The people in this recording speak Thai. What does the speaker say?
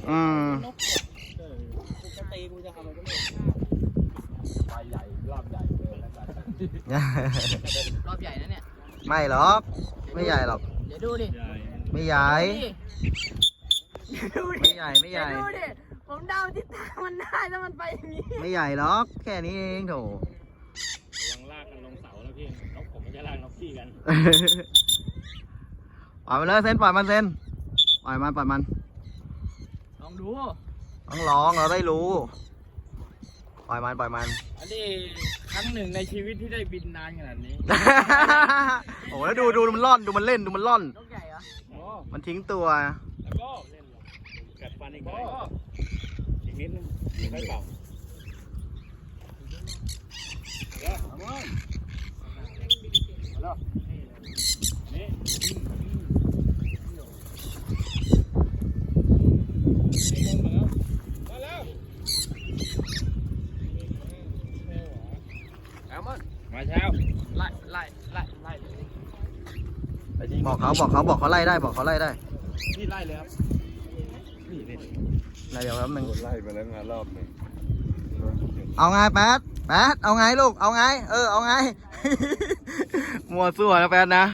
อืมจะตีกูจะทำอะไรก็ไม่ไปใหญ่รอบใหญ่เลยแล้วกันรอบใหญ่นะเนี่ยไม่หรอก ไม่ใหญ่หรอกเดี๋ยวดูดิไม่ใหญ่ดูดิไม่ใหญ่ไม่ใหญ่เดี๋ยวดูดิผมเดาทิศทางมันได้แล้วมันไปอย่างนี้ไม่ใหญ่หรอก แค่นี้เองโถระวังลากกันลงเสาแล้วพี่นกผมไม่ใช่ลากนกพี่กันปล่อยมันเลยเซนปล่อยมันเซนปล่อยมันปล่อยมันลองดูต้องร้องเราได้รู้ ปล่อยมันปล่อยมันอันนี้ครั้งหนึ่งในชีวิตที่ได้บินนานขนาดนี้โอ้แล้วดูมันล่อนดูมันเล่นดูมันล่อนนกใหญ่เหรอโอ้มันทิ้งตัวแล้วก็เล่นกัดฟันอีกหน่อยอีกนิดนึงไม่เป่าเอามาแล้วนี่มาแล้วเอามามาเช้าไล่บอกเขาไล่ได้บอกเขาไล่ได้พี่ไล่เลยครับนี่ไล่เดี๋ยวแป๊บนึงไล่ไปแล้วงานรอบหนึ่งเอาไงแป๊ดเอาไงลูกเอาไงเอาไง มัวซั่วนะแป๊ดนะ